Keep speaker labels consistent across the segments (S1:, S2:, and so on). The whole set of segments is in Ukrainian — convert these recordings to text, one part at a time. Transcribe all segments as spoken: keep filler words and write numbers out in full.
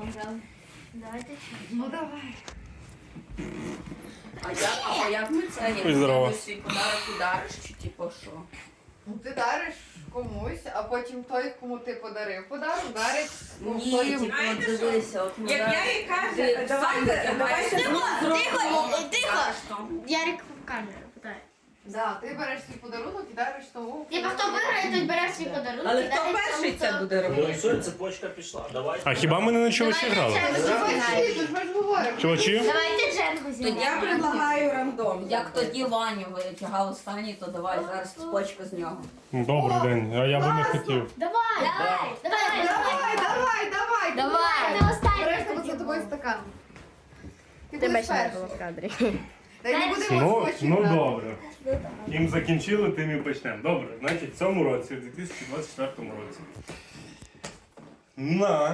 S1: грали. Давайте.
S2: Ну давай.
S3: А як, а як ми це?
S4: Ой, здорово.
S3: Як свій подарок удариш чи типу що?
S2: Ну ти дариш комусь, а потім той, кому ти подарив подарок, дарить
S3: Ні,
S2: той.
S3: типу, от дивися, от ми
S5: Як
S3: зараз-
S5: я їй кажу,
S3: Ти
S5: давайте,
S3: сам
S5: давайте
S3: витягаєш,
S1: Тихо,
S3: ну,
S1: тихо,
S3: зробимо,
S1: тихо.
S3: кажеш там.
S1: Ярик в камеру питає.
S2: Да, ти береш свій подарунок і дариш тому.
S1: Типа хто виграє, той бере свій подарунок.
S5: Але
S1: і
S5: хто
S1: дарить
S5: перший
S1: тому,
S5: це
S1: хто-
S5: буде
S6: Ну
S5: робити?
S6: і все, цепочка пішла. Давай.
S4: А хіба ми не на чувачі грали?
S1: Давайте
S2: Давай, ти ж ми ж говоримо.
S4: Чувачі?
S1: Давайте Дженгу
S3: Тоді
S1: зіграємо.
S5: Я предлагаю рандом.
S3: Як тоді Ваню витягав останній, то давай зараз цепочка з нього.
S4: Добрий день, а я би не хотів.
S1: Давай, давай, давай,
S2: Давай, давай, давай.
S1: Давай. Ти останній
S2: Береш тебе
S1: хотів.
S2: за тобою стакан. Ти
S1: Тебе
S2: будеш
S1: ще не
S2: перший.
S1: було в кадрі.
S2: Та й не будемо
S4: Ну,
S2: скотчі
S4: ну
S2: грати.
S4: добре. Їм закінчили, тим і почнемо. Добре, значить в цьому році, в дві тисячі двадцять четвертому році, на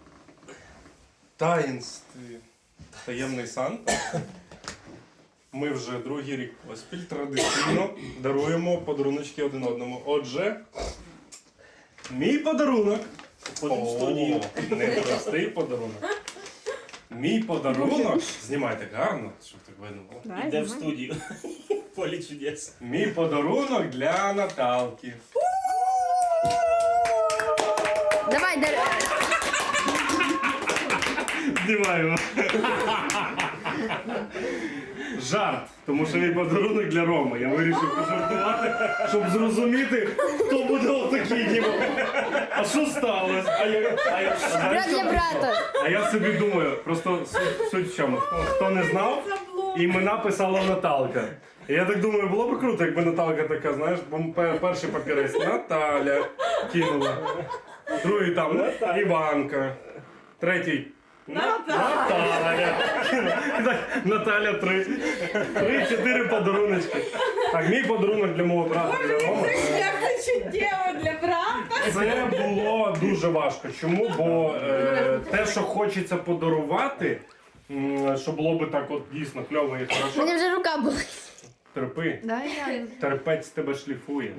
S4: таїнстві Таємний Санта ми вже другий рік поспіль традиційно даруємо подаруночки один одному. Отже, мій подарунок.
S6: Ходимо в студію.
S4: О, не простий подарунок. Мій подарунок. Знімайте гарно, щоб так видно було.
S6: Іде в студію. Полі чудес.
S4: Мій подарунок для Наталки.
S1: Давай, дар...
S4: Знімаємо. Жарт, тому що мій подарунок для Роми. Я вирішив пожартувати, щоб зрозуміти, хто буде отакий. Ніби. А що сталося? А я, а я, а знаєш, що?
S1: брата.
S4: А я собі думаю, просто суть, суть в чому. Хто, хто не знав, імена писала Наталка. І я так думаю, було б круто, якби Наталка така, знаєш, бо пе- перший папірець Наталя кинула. Другий там Іванка. Третій Наталя. І так, Наталя три. Три-чотири подаруночки. Так, мій подарунок для мого брата, для Роми.
S5: Я хочу діву для брата.
S4: Це було дуже важко. Чому? Бо е, те, що хочеться подарувати, м, що було би так от дійсно кльово і хорошо,
S1: Мені вже рука була.
S4: терпи.
S2: Дай я.
S4: Терпець тебе шліфує.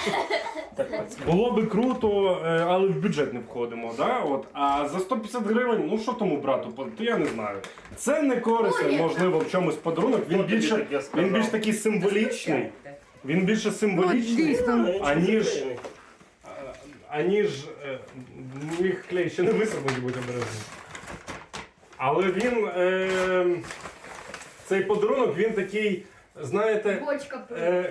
S4: Було би круто, е, але в бюджет не входимо. Да? От. А за сто п'ятдесят гривень, ну що тому брату, то я не знаю. Це не корисно, можливо, в чомусь подарунок. Він
S6: Хто тобі
S4: більше,
S6: таке сказав?
S4: він більш такий символічний. Він більше символічний, аніж, аніж е, їх клей ще не висохнуть, будь обережний. Але він, е, цей подарунок, він такий, знаєте,
S1: Бочка.
S4: е,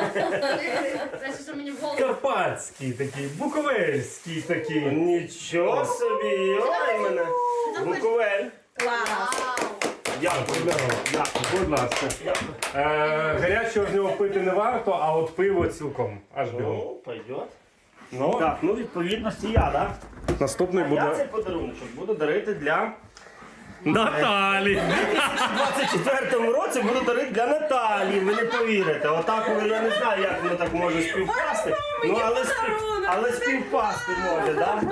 S1: Це що мені в голову.
S4: карпатський такий, буковельський такий.
S6: Нічого собі, ой мене. Буковель.
S5: Клас.
S4: Дякую, дякую, будь ласка. Е, гарячого з нього пити не варто, а от пиво цілком. Аж бігом.
S6: Ну, пойдет.
S4: Ну,
S6: Так, ну відповідності я, так?
S4: наступний
S6: Я цей
S4: буде
S6: подаруночок буду дарити для...
S4: Наталі.
S6: У двадцять четвертому році буду дарити для Наталії, ви не повірите. Отак, воно, я не знаю, як воно так може співпасти. Ну, але, спів... але співпасти може, так?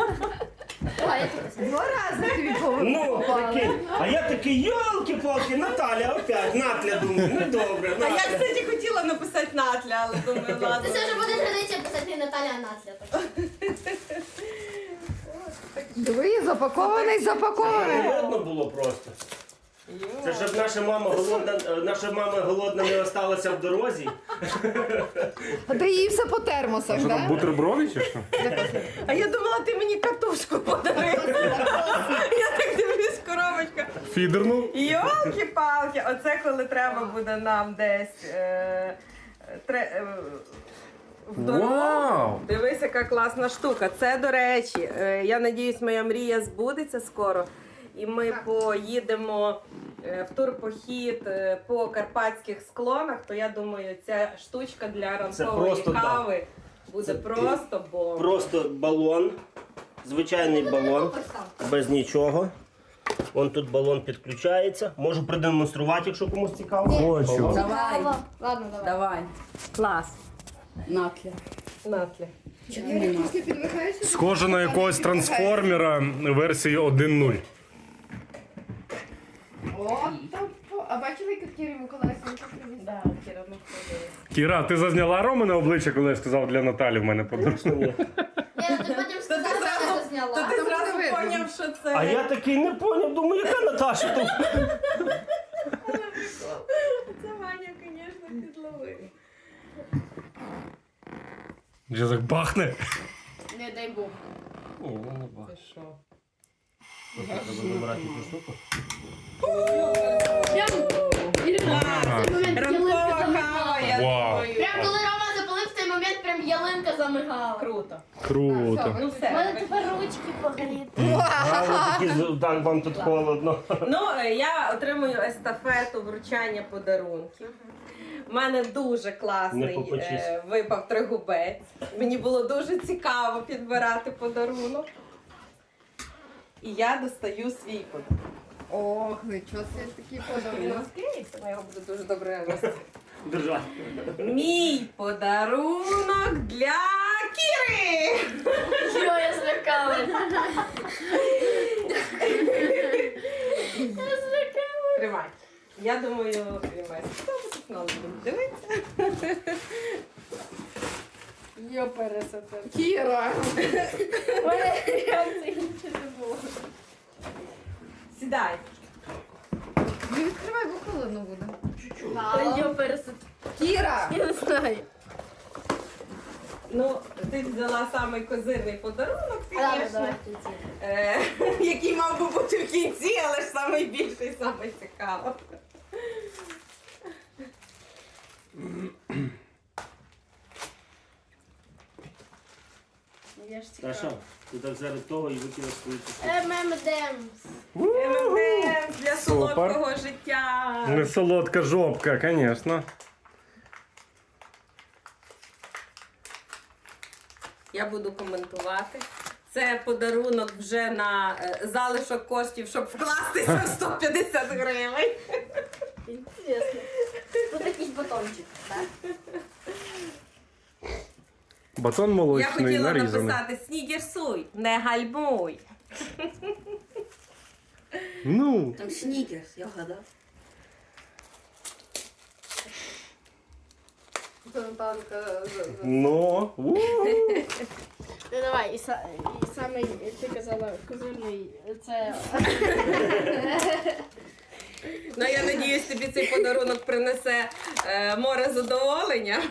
S2: Два рази тобі повернув.
S6: Ну, прикинь. А я такий, йолки-палки, Наталя опять, Натля, думаю, ну добре,
S5: А я,
S6: Натля.
S5: кстати, хотіла написати Натля, але думаю, ладно.
S1: Це вже буде традиція писати не Наталя, а Натля.
S2: Диви, запакований, запакований.
S6: Не видно було просто. Це щоб наша мама голодна, е, наша мама голодна не осталася в дорозі.
S2: А ти її все по термосах,
S4: Що там,
S2: так?
S4: бутерброди чи що?
S5: А я думала, ти мені катушку подарив. Я так дивлюсь, коробочка.
S4: Фідерну?
S5: Йолки-палки, оце коли треба буде нам десь е, тре, е, в дорогу.
S4: Вау!
S5: Дивись, яка класна штука. Це, до речі, е, я надіюсь, моя мрія збудеться скоро. І ми поїдемо е, в турпохід е, по карпатських склонах, то я думаю, ця штучка для ранкової
S6: просто, да.
S5: кави буде
S6: Це
S5: просто бомба.
S6: Просто балон, звичайний балон, без нічого. Вон тут балон підключається. Можу продемонструвати, якщо комусь цікаво.
S4: Хочу.
S3: Давай,
S1: Ладно, давай.
S3: давай.
S5: Клас.
S3: Натля.
S5: Натля.
S2: Після підвихаєшся?
S4: Схоже на якогось трансформера версії один нуль.
S2: О, там, по- а бачили, як Кірі Миколаївська привіз?
S5: Да, Кіра, ну ходила.
S4: Кіра, ти зазняла Романе обличчя, коли я сказав для Наталі в мене подарунок?
S1: Ні, ну ти потім сказав, що я
S5: То
S1: зазняла.
S5: ти
S2: там
S5: зразу
S2: буде видно.
S5: поняв, що це.
S6: А я такий не поняв, думаю, яка Наташа тут?
S5: Це Ваня, звісно, підловив.
S4: Вже так бахне.
S1: Не дай Бог.
S5: Це що?
S6: Треба забирати цю штуку.
S1: Прям, Ірина, в цей момент
S5: Ранкова
S1: ялинка
S5: кава,
S1: замигала.
S5: я
S4: Вау.
S5: думаю.
S1: Прям коли Рома запалив, в цей момент прям ялинка замигала.
S5: Круто.
S4: Круто.
S5: Ну
S1: У мене
S5: все.
S1: тепер ручки погоріли.
S6: А ви такі, з- так вам тут холодно.
S5: Ну, е, я отримую естафету вручання подарунків. У мене дуже
S6: Не
S5: класний
S6: попечись.
S5: е, випав тригубець. Мені було дуже цікаво підбирати подарунок. І я достаю свій подарунок.
S2: Ох, нічого собі такий
S5: Він
S2: подарунок.
S5: розкриється, я його буду дуже добре носити.
S6: Держать.
S5: Мій подарунок для Кіри!
S1: Що я злякалась?
S5: Тримай. Я думаю, тримай. Тут нам будемо дивитися. Йо, пересоте.
S2: Кіра!
S1: У мене реакції нічого не було.
S5: Сідай.
S2: Не відкривай, бо холодно буде.
S1: Та йо, пересот.
S2: Кіра!
S1: Я не знаю.
S5: Ну, ти взяла самий козирний подарунок,
S1: Ладно,
S5: звісно,
S1: давай в кінці.
S5: е, який мав би бути в кінці, але ж самий більший, самий цікавий.
S1: Я ж
S6: Та що? Ти так зараз того і викинув свою цю
S1: Ем ем Демс.
S5: ем ем дем для
S4: Супер.
S5: солодкого життя.
S4: Не солодка жопка, звісно.
S5: Я буду коментувати. Це подарунок вже на е, залишок коштів, щоб вкластися в сто п'ятдесят гривень.
S1: Інтересно. Тут якийсь батончик, так?
S4: Батон
S5: Я
S4: молочний
S5: хотіла
S4: нарізаний.
S5: написати снігерсуй, не гальмуй.
S4: Ну,
S3: Там снікерс, я вгадав.
S2: Наталка.
S4: ну. у.
S1: Ну давай, і, са, і саме ти казала козирний, це
S5: Ну, я надіюсь, тобі цей подарунок принесе е, море задоволення.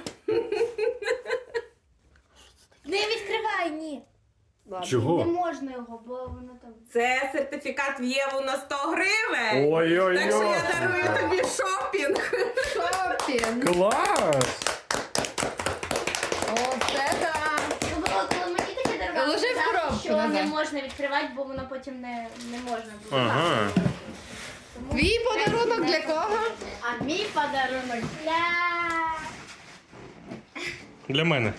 S1: не відкривай, ні.
S4: Чого?
S1: Не можна його, бо воно там.
S5: Це сертифікат в Єву на сто гривень.
S4: Ой-ой-ой.
S5: Так що я дарую тобі шопінг.
S2: Шопінг!
S4: Клас!
S2: Оце так!
S1: Ну, було, коли мені таке дарували,
S2: Ложи в
S1: казали,
S2: коробку
S1: що
S2: назад.
S1: не можна відкривати, бо воно потім не, не можна буде.
S4: Ага.
S1: Тому-
S2: Твій подарунок для кого?
S1: А мій подарунок для...
S4: Для мене.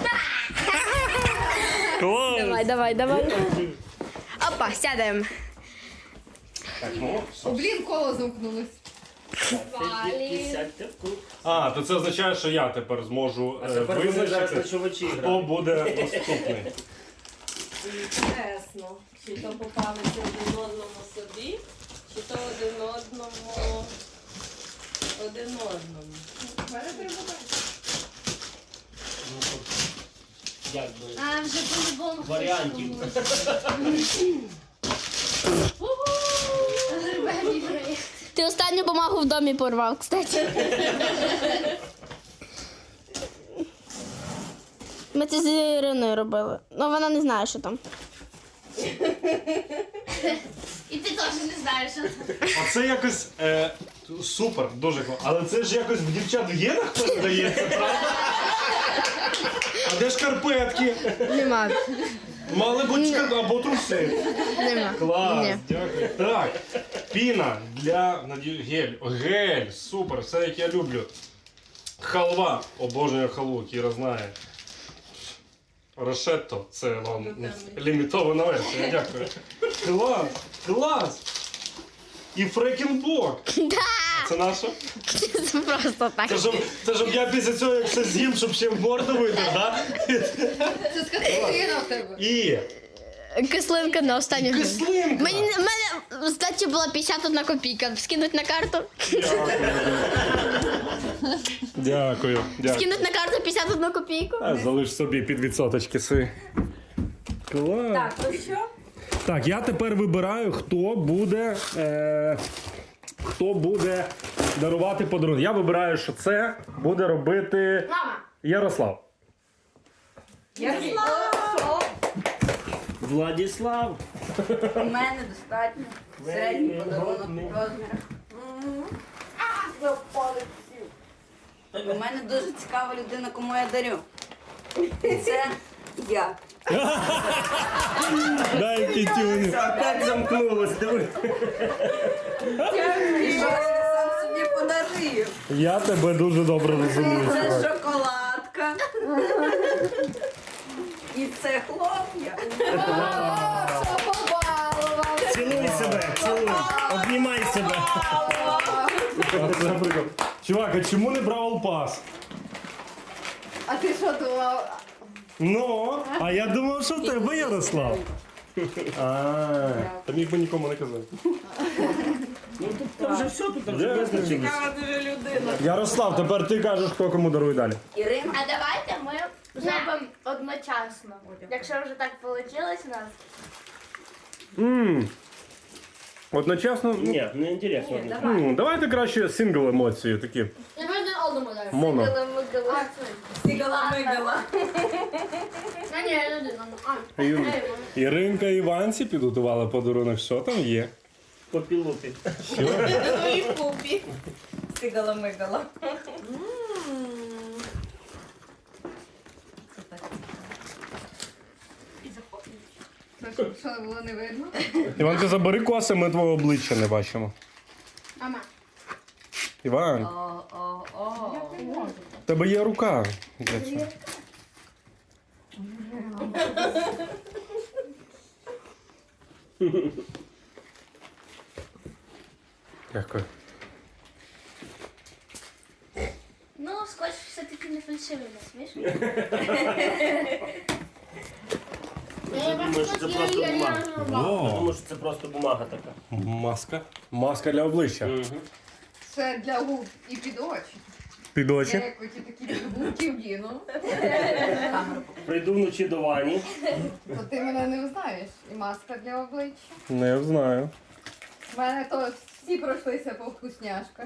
S4: Клас!
S1: Давай, давай, давай. Опа, сядемо.
S6: Так, ну,
S2: О, блін, коло замкнулось.
S1: Валі.
S6: сядьте в кут.
S4: А, то це означає, що я тепер зможу
S6: А
S4: е,
S6: тепер вони зараз
S4: визначити,
S6: ночувачі
S4: хто
S6: грають.
S4: буде наступний.
S5: Інтересно, чи то попалися один одному собі, чи то один одному один одному.
S6: Ну, тут, як би,
S1: А, вже по-любому. хтось
S6: варіантів.
S1: комусь. Ти останню бумагу в домі порвав, кстати. Ми це з Іриною робили. Ну вона не знає, що там. І ти теж не знаєш, що там.
S4: Оце якось е, супер, дуже класно. Але це ж якось в дівчат в генах передається, правда? А де шкарпетки?
S2: Нема.
S4: Мали бути шкарпетки або труси.
S2: Нема.
S4: Клас,
S2: Ні.
S4: дякую. Так, піна для надію- гель. Гель, супер, все як я люблю. Халва, обожнюю халву, Кіра знає. Рошетто, це вам лімітована версія, дякую. Клас, клас. І фрекінбок. Це наше?
S1: Це просто так.
S4: Це щоб, це щоб я після цього, як все з'їм, щоб ще в морду витер, так?
S2: Це скатина в тебе.
S4: І
S1: Кислинка на останню гривню.
S4: кислинка.
S1: Мені, в мене здачі була п'ятдесят одна копійка. Скинуть на карту.
S4: Дякую, дякую.
S1: Скинуть на карту п'ятдесят одну копійку.
S4: А, залиш собі під відсоточки свої. Клас.
S5: Так, ну що?
S4: Так, я тепер вибираю, хто буде, е, хто буде дарувати подарунок. Я вибираю, що це буде робити
S1: Мама.
S4: Ярослав.
S6: Владислав.
S3: У мене достатньо. Середній подарунок розмірах. У мене дуже цікава людина, кому я дарю. І це я.
S4: Дай п'ятюню.
S6: Опять замкнулось, диви.
S3: І що я сам собі подарую.
S4: Я тебе дуже добре розумію.
S3: Це шоколадка. І це хлоп'я.
S2: Що побалував?
S6: Цілуй себе, цілуй. Обнімай себе.
S4: Це прикол. Чувак, а чому не Бравл Пас?
S2: А ти що думав?
S4: Ну, а я думав, що в тебе Ярослав. А, та міг би нікому не казати.
S6: Та вже все тут вже визначилось.
S5: Цікава дуже людина.
S4: Ярослав, тепер ти кажеш, хто кому дарує далі.
S3: Ірина.
S1: А давайте ми зробимо одночасно. Якщо вже так вийшло у нас.
S4: Ммм. Одночасно. ну,
S6: Ні, не інтересно.
S4: м, Давайте краще сингл емоції такі.
S1: Я один одному даю.
S4: Моно.
S3: Сігала-мигала.
S1: А ні, я один. А,
S4: Ір-
S1: ей,
S4: Іринка і Іванці підготували подарунок. Що там є?
S6: Попілути.
S5: І в купі. Сигала-мигала.
S2: Що, що було не видно?
S4: Іванка, забери коси, ми твого обличчя не бачимо.
S1: мама.
S4: Іван,
S3: О, о, о.
S4: в тебе є рука для цього. Дякую.
S1: Ну, скотч все-таки не фальшивий, не смішно?
S6: Я думаю, що це просто бумага. Я
S4: О,
S6: думаю, що це просто бумага така.
S4: маска. Маска для обличчя.
S2: Це для губ і під очі.
S4: Під
S2: Я
S4: очі.
S2: як оті такі губки вдіну,
S6: Прийду вночі до Вані.
S2: то ти мене не узнаєш. І маска для обличчя.
S4: Не знаю.
S2: У мене то всі пройшлися по вкусняшках.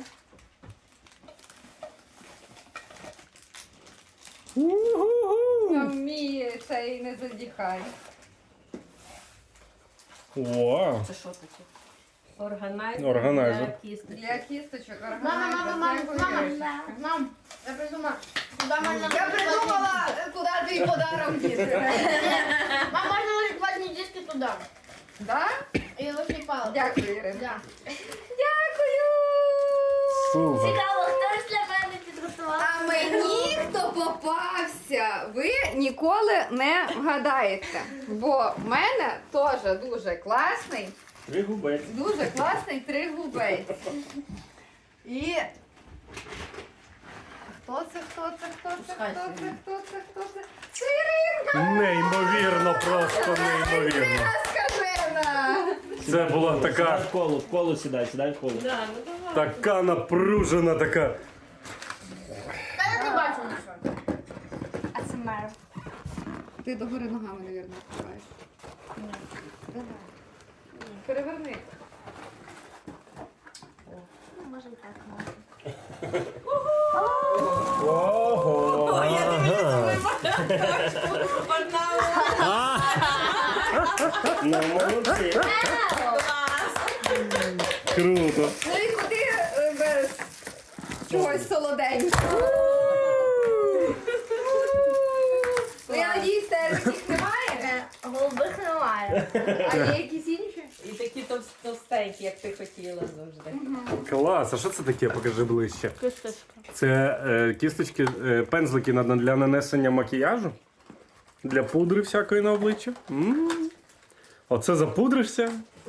S2: Там мій цей не задіхай.
S4: О,
S3: Це що таке?
S5: Органайзер.
S4: Органайзер.
S5: для кісточок.
S2: Для кісточок
S1: Мама, мама, мама, мама, мам, я придумала. Куда можна
S2: Я придумала, куди твій подарок діти.
S1: Мам, можна ложити ватні диски туди.
S2: Да?
S1: І ложити палку.
S2: Дякую, Ірина.
S1: Да.
S2: Дякую!
S4: супер.
S1: Цікаво, хтось для мене підготував.
S2: А мені, хто попався, ви ніколи не вгадаєте. Бо в мене теж дуже класний,
S6: Три губець.
S2: дуже класний тригубець. І хто це, хто це, хто це, хто це, хто це, хто це? Це Іринка!
S4: Неймовірно, просто неймовірно.
S2: Ірина Скажена!
S4: Це була
S6: Сідай
S4: така,
S6: в коло, в коло сідай, сідай в коло.
S5: Да, ну давай.
S4: така напружена, така.
S1: Та я не бачу нічого. А це мер.
S2: Ти догори ногами, мабуть, відкриваєш. Давай. Переверни.
S1: Може і так.
S4: Ого.
S6: Ну, молодці.
S4: Круто.
S2: Ну і куди е, без чогось солоденького? Ну я надіюсь, таких немає,
S1: Голубих немає.
S2: а є якісь інші?
S5: І такі товс- товстенькі, як ти хотіла завжди.
S4: Клас, а що це таке? Покажи ближче.
S1: Кисточка.
S4: Це е, кісточки, е, пензлики на- для нанесення макіяжу? Для пудри всякої на обличчя? М. Оце запудришся?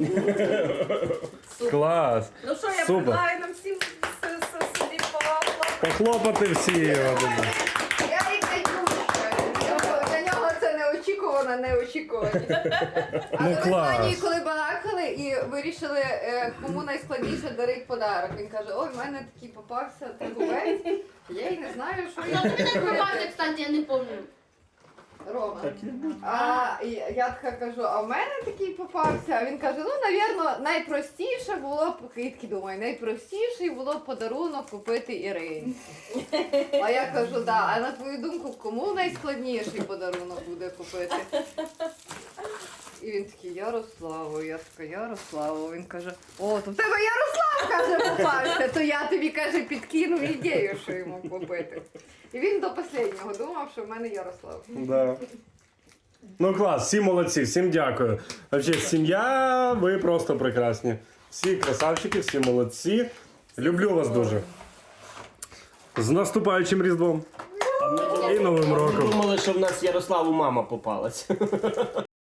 S4: Клас.
S5: Ну що, я
S4: Супер.
S5: предлагаю нам всім с- с- собі похлопати.
S4: Похлопати всі. Вадиме.
S2: Я і Катюшка. Для нього це неочікувано, неочікуваність.
S4: Ну,
S2: Але ми з
S4: клас.
S2: Вані, коли балакали і вирішили, е, кому найскладніше дарить подарок. Він каже, ой, в мене такий попався тригубець. Я й не знаю, що
S1: Хто
S2: я
S1: тобі так
S2: робити.
S1: попався, кстати, я не пам'ятаю.
S2: Рома.
S6: Так і буде.
S2: А і я така кажу, а в мене такий попався. А він каже, ну, навірно, найпростіше було б, я такий думаю, найпростіший було б подарунок купити Ірині. А я кажу, да, а на твою думку, кому найскладніший подарунок буде купити? І він такий, Ярославу, я така, Ярославу. Він каже, о, то в тебе Ярослав, каже, попався, то я тобі, каже, підкину ідею, що йому купити. І він до останнього думав, що в мене Ярослав.
S4: Да. Ну клас, всі молодці, всім дякую. Вообще, сім'я, ви просто прекрасні. Всі красавчики, всі молодці. Люблю вас дуже. З наступаючим Різдвом.
S6: А ми
S4: І Новим роком.
S6: думали, що в нас Ярославу мама попалась.